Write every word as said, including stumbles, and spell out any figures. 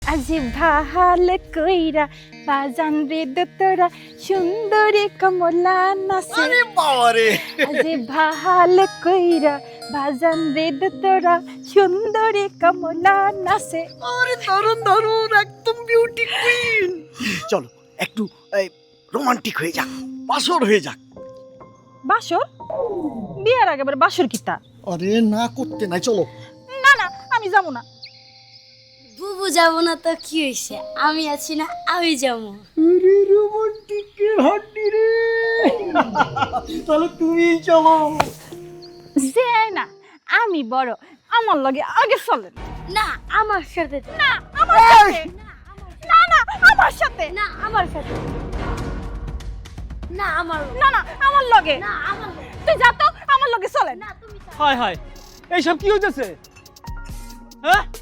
আজি ভাল কইরা বাজান রে দোতরা সুন্দরী কমলা নাচে। আরে বাবা রে, আজি ভাল কইরা বাজান রে দোতরা সুন্দরী কমলা নাচে। আরে দারুণ দারুণ, একদম বিউটি কুইন। চলো একটু রোমান্টিক হয়ে যাক, বাসর হয়ে যাক। বাসর? বিয়ার আগে আবার বাসর কিতা? আরে না করতে নাই, চলো। না না, আমি যাবো না। বুবু যাবো না তো কি হয়েছে, আমি আছি না, আমি যাবো। আরে রোমান্টিকের হাড্ডি রে, তাহলে তুমি চলো। যে না, আমি বড়, আমার লগে আগে চলেন। না আমার সাথে, না আমার সাথে, না না আমার সাথে, না আমার সাথে, না আমার, না না আমার লগে। না আমার, তুই যা তো, আমার লগে চলেন। না তুমি যাও। হায় হায়, এইসব কি হইতেছে? হ্যাঁ,